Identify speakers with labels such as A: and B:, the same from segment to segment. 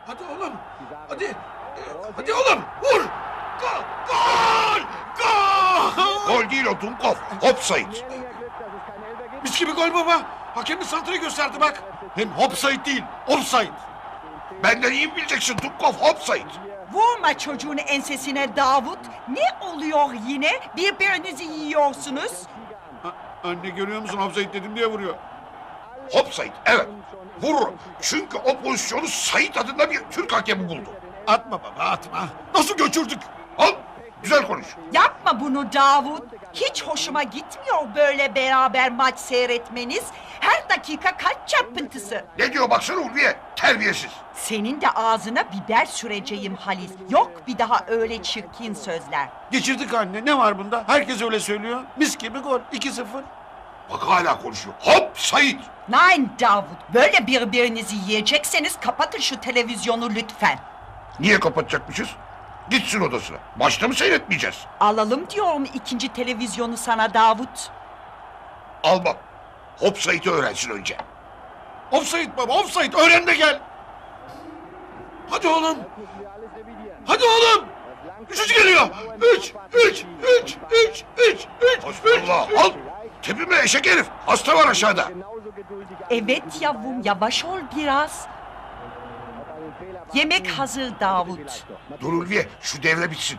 A: Hadi oğlum. Hadi. Hadi oğlum. Vur. Gol. Gol. Gol.
B: Gol değil o Dumkov. Offside.
A: Mis gibi gol baba. Hakem bir santrayı gösterdi bak. Hem offside değil. Offside.
B: Benden iyi mi bileceksin Dumkov? Offside.
C: Vurma çocuğun ensesine Davut. Ne oluyor yine? Birbirinizi yiyorsunuz.
A: Anne görüyor musun? Offside dedim diye vuruyor.
B: Offside evet. Vururum. Çünkü o pozisyonu Sait adında bir Türk hakemi buldu.
A: Atma baba atma. Nasıl göçürdük?
B: Al. Güzel konuş.
C: Yapma bunu Davut. Hiç hoşuma gitmiyor böyle beraber maç seyretmeniz. Her dakika kalp çarpıntısı.
B: Ne diyor baksana Ulviye? Terbiyesiz.
C: Senin de ağzına biber süreceğim Halis. Yok bir daha öyle çirkin sözler.
A: Geçirdik anne. Ne var bunda? Herkes öyle söylüyor. Mis gibi gol. 2-0.
B: Bak hala konuşuyor. Hop Sait.
C: Nein Davut. Böyle birbirinizi yiyecekseniz kapatın şu televizyonu lütfen.
B: Niye kapatacakmışız? Gitsin odasına. Maçta mı seyretmeyeceğiz?
C: Alalım diyorum ikinci televizyonu sana Davut.
B: Almam. Hop Sait'i öğrensin önce.
A: Offside baba offside. Öğren de gel. Hadi oğlum. Hadi oğlum. Üçüncü geliyor. Üç.
B: Hasbunallah. Al. Tepime eşek herif. Hasta var aşağıda.
C: Evet yavrum yavaş ol biraz. Yemek hazır Davut.
B: Dur Ulviye şu devre bitsin.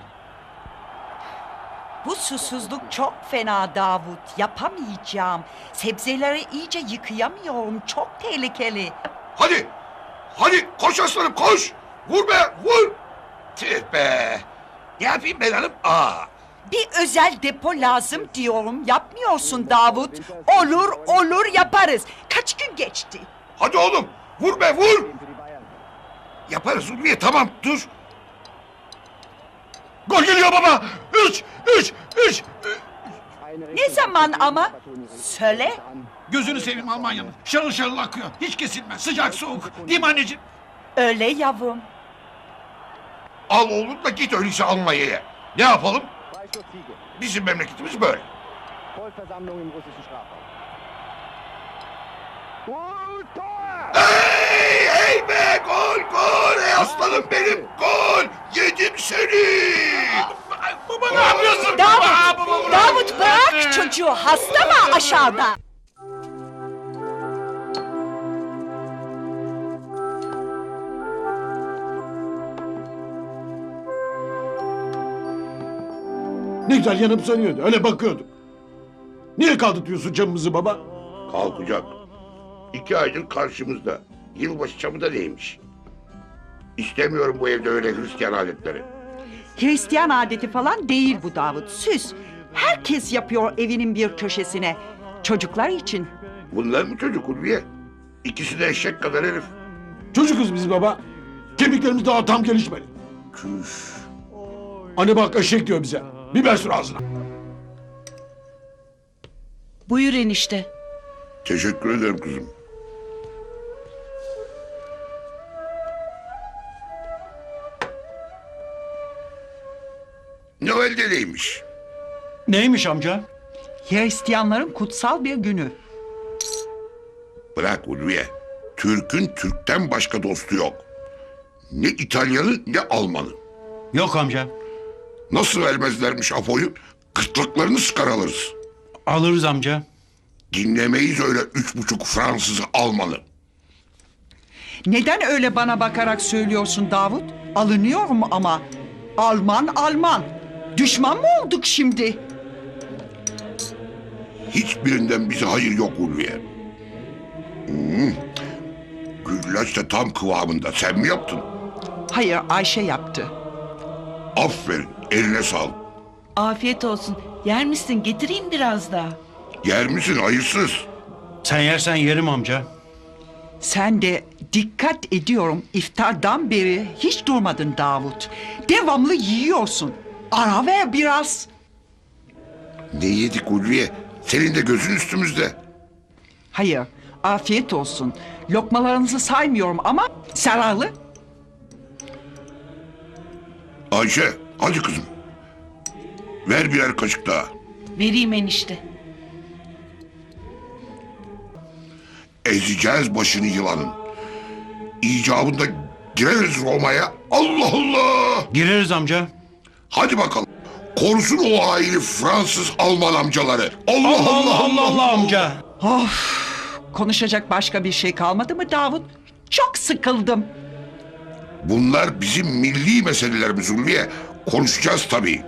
C: Bu susuzluk çok fena Davut. Yapamayacağım. Sebzeleri iyice yıkayamıyorum. Çok tehlikeli.
B: Hadi. Hadi koş aslanım koş. Vur be vur. Tüh be. Ne yapayım ben hanım?
C: Bir özel depo lazım diyorum. Yapmıyorsun Davut. Olur yaparız. Kaç gün geçti?
B: Hadi oğlum. Vur be vur. Yaparız Ulviye tamam dur.
A: Gol geliyor baba. Üç.
C: Ne zaman ama? Söyle.
A: Gözünü seveyim Almanya'nın. Şarıl şarıl akıyor. Hiç kesilmez. Sıcak soğuk. Değil mi anneciğim?
C: Öyle yavrum.
B: Al oğlum da git öyleyse Almanya'ya. Ne yapalım? Bizim memleketimiz böyle.
D: Vollversammlung im russischen Strafraum.
B: Hey be gol. Ey aslanım benim gol. Yedim seni.
A: Baba ne yapıyorsun?
C: Davut bırak çocuğu. Hasta mı aşağıda?
E: Ne güzel yanıp sönüyordu. Öyle bakıyordum. Niye kaldırtıyorsun camımızı baba?
B: Kalkacak. 2 aydır karşımızda. Yılbaşı çamı da neymiş? İstemiyorum bu evde öyle Hristiyan adetleri.
C: Hristiyan adeti falan değil bu Davut. Süs. Herkes yapıyor evinin bir köşesine. Çocuklar için.
B: Bunlar mı çocuk Ulviye? İkisi de eşek kadar herif.
E: Çocukuz biz baba. Kemiklerimiz daha tam gelişmedi.
B: Küş.
E: Anne bak eşek diyor bize. Biber sür ağzına.
F: Buyur enişte.
B: Teşekkür ederim kızım. Noel'de neymiş?
A: Neymiş amca?
C: Hristiyanların kutsal bir günü.
B: Bırak Ulviye. Türk'ün Türk'ten başka dostu yok. Ne İtalyanı ne Almanı.
A: Yok amca.
B: Nasıl vermezlermiş Apo'yu? Gırtlaklarını sıkar alırız.
A: Alırız amca.
B: Dinlemeyiz öyle 3,5 Fransız Almanı.
C: Neden öyle bana bakarak söylüyorsun Davut? Alınıyorum ama. Alman. Düşman mı olduk şimdi?
B: Hiçbirinden bize hayır yok Ulviye. Güllaç da tam kıvamında. Sen mi yaptın?
C: Hayır Ayşe yaptı.
B: Aferin. Eline sağlık.
F: Afiyet olsun. Yer misin? Getireyim biraz daha.
B: Yer misin hayırsız?
G: Sen yersen yerim amca.
C: Sen de dikkat ediyorum iftardan beri hiç durmadın Davut. Devamlı yiyorsun. Ara ver biraz.
B: Ne yedik Ulviye? Senin de gözün üstümüzde.
C: Hayır afiyet olsun. Lokmalarınızı saymıyorum ama zararlı.
B: Ayşe hadi kızım. Ver birer kaşık daha.
F: Vereyim enişte.
B: Ezeceğiz başını yılanın. İcabında Gireriz Roma'ya. Allah Allah.
G: Gireriz amca.
B: Hadi bakalım. Korusun o haini Fransız Alman amcaları. Allah Allah Allah Allah
G: amca.
C: Of, konuşacak başka bir şey kalmadı mı Davut? Çok sıkıldım.
B: Bunlar bizim milli meselelerimiz Ulviye. Konuşacağız tabii.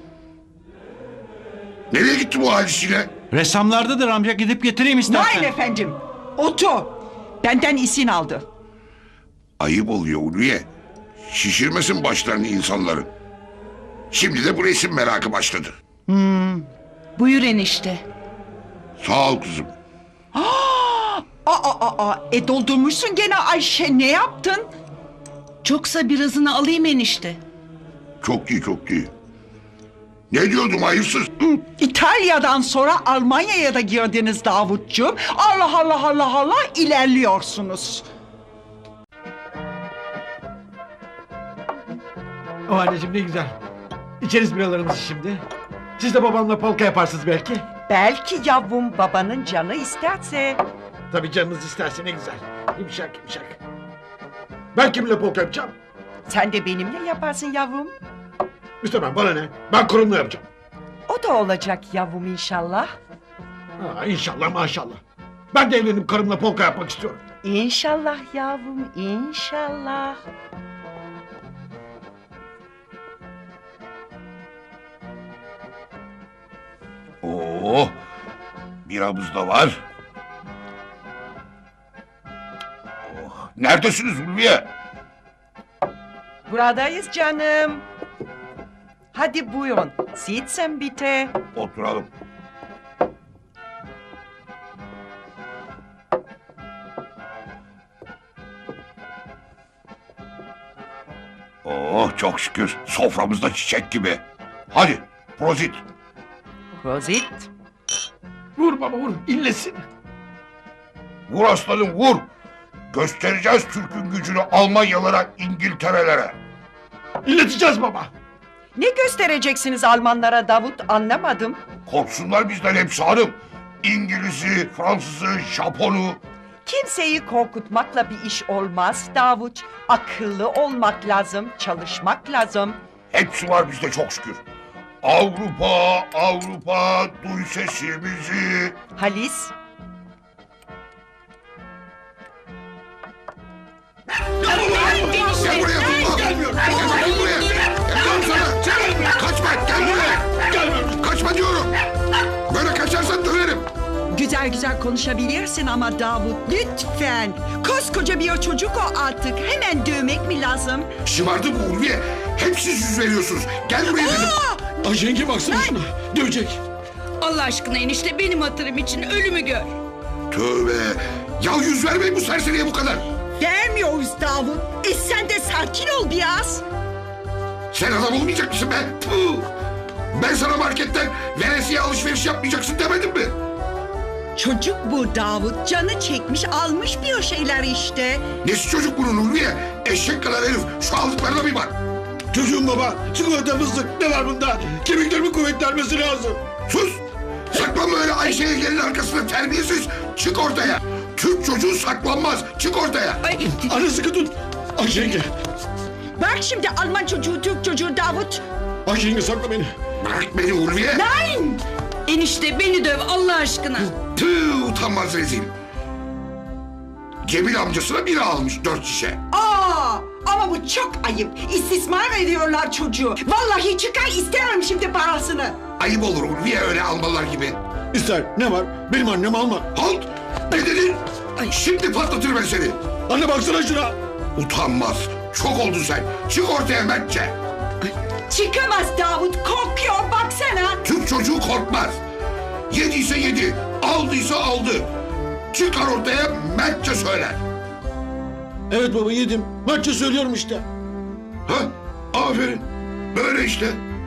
B: Nereye gitti bu halis yine?
G: Ressamlardadır amca, gidip getireyim istersen.
C: Nail efendim. Oto. Benden izin aldı.
B: Ayıp oluyor Ulviye. Şişirmesin başlarını insanların. Şimdi de bu resim merakı başladı.
F: Buyur enişte.
B: Sağ ol kızım.
C: Doldurmuşsun gene Ayşe, ne yaptın?
F: Çoksa birazını alayım enişte.
B: Çok iyi çok iyi. Ne diyordum hayırsız?
C: İtalya'dan sonra Almanya'ya da girdiniz Davutcuğum. Allah Allah Allah Allah ilerliyorsunuz.
E: O anneciğim ne güzel. İçeriz biralarımızı şimdi. Siz de babamla polka yaparsınız belki.
C: Belki yavrum babanın canı isterse.
E: Tabii canınız isterse ne güzel. Yumuşak yumuşak. Ben kiminle polka yapacağım?
C: Sen de benimle yaparsın yavrum.
E: İstemem, bana ne? Ben kurumla yapacağım.
C: O da olacak yavrum inşallah.
E: Ha, İnşallah maşallah. Ben de evlenip karımla polka yapmak istiyorum.
C: İnşallah yavrum inşallah.
B: Oo, biramız da var. Oh, neredesiniz Ulviye?
C: Buradayız canım. Hadi buyurun. Sitzen bitte.
B: Oturalım. Oh çok şükür soframızda çiçek gibi. Hadi prozit.
C: Prosit.
E: Vur baba vur, illesin.
B: Vur aslanım vur. Göstereceğiz Türk'ün gücünü Almanyalara, İngiltere'lere.
E: İlleteceğiz baba.
C: Ne göstereceksiniz Almanlara Davut, anlamadım.
B: Korksunlar bizden hepsi hanım. İngiliz'i, Fransız'ı, Japon'u.
C: Kimseyi korkutmakla bir iş olmaz Davut. Akıllı olmak lazım, çalışmak lazım.
B: Hepsi var bizde çok şükür. Avrupa, Avrupa, duy sesimizi.
C: Halis,
B: Gel buraya tutma. Gelmiyorum. Gel buraya. Gel sana. Kaçma. Gel buraya. Gelmiyorum. Kaçma diyorum. Böyle kaçarsan döverim.
C: güzel güzel konuşabilirsin ama Davut lütfen. Koskoca bir çocuk o artık. Hemen dövmek mi lazım?
B: Şımardı bu Ulviye. Hep siz yüz veriyorsunuz. Gel buraya dedim.
E: Ay yenge baksana şuna. Dövecek.
F: Allah aşkına enişte benim hatırım için ölümü gör.
B: Tövbe. Ya yüz vermeyin bu serseriye bu kadar.
C: Vermiyoruz Davut. Sen de sakin ol biraz.
B: Sen adam olmayacak mısın be? Puh. Ben sana marketten veresiye alışveriş yapmayacaksın demedim mi?
C: Çocuk bu Davut. Canı çekmiş almış bir şeyler işte.
B: Nesi çocuk bunun Ulviye? Eşek kadar herif. Şu aldıklarına bir bak.
E: Çocuğum baba. Çikolata fıstık ne var bunda? Kemiklerimi kuvvetlenmesi lazım.
B: Sus! Saklanma öyle Ayşe'ye gelin arkasında terbiyesiz. Çık ortaya. Türk çocuğu saklanmaz. Çık ortaya.
E: Anne sıkı tut. Ay yenge.
C: Bak şimdi Alman çocuğu, Türk çocuğu Davut.
E: Ay yenge sakla beni.
B: Bırak beni Ulviye.
C: Nein!
F: Enişte beni döv Allah aşkına.
B: Tüh utanmaz rezil. Cemil amcasına biri almış 4 şişe.
C: Ama bu çok ayıp. İstismar ediyorlar çocuğu. Vallahi çıkar isterim şimdi parasını.
B: Ayıp olur Ulviye öyle almalar gibi.
E: İster ne var? Benim annem alma.
B: Halt! Ne dedin? Şimdi patlatır ben seni.
E: Anne baksana şuna.
B: Utanmaz. Çok oldun sen. Çık ortaya Mertçe.
C: Çıkamaz Davut. Korkuyor baksana.
B: Türk çocuğu korkmaz. Yediyse yedi. Aldıysa aldı. Çıkar ortaya Mertçe söyler.
E: Evet baba yedim. Maçça söylüyorum işte.
B: Ha? Aferin. Böyle işte.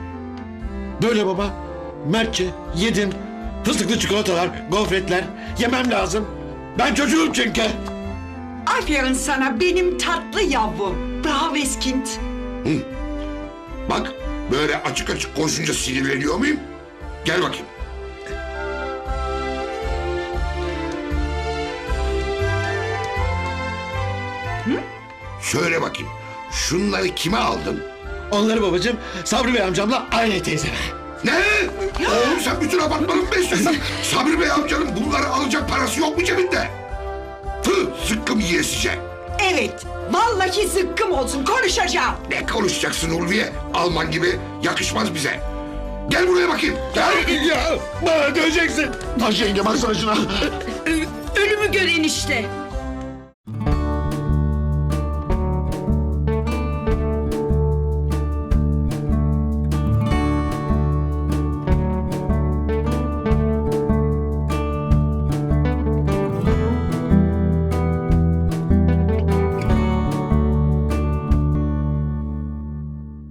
E: Böyle baba. Mertçe yedim. Fıstıklı çikolatalar, gofretler. Yemem lazım. Ben çocuğum çünkü.
C: Aferin sana benim tatlı yavrum. Bravo Eskind.
B: Bak böyle açık açık konuşunca sinirleniyor muyum? Gel bakayım. Söyle bakayım. Şunları kime aldın?
E: Onları babacığım Sabri Bey amcamla Ayla teyzeme.
B: Ne? Oğlum sen bütün apartmanı mı besliyorsun? Sabri Bey amcanın bunları alacak parası yok mu cebinde? Zıkkım yiyesice.
C: Evet, vallahi zıkkım olsun, konuşacağım.
B: Ne konuşacaksın Ulviye? Alman gibi yakışmaz bize. Gel buraya bakayım. Gel.
E: Ya bana döneceksin. Taş yenge baksana şuna.
F: Ölümü gör enişte.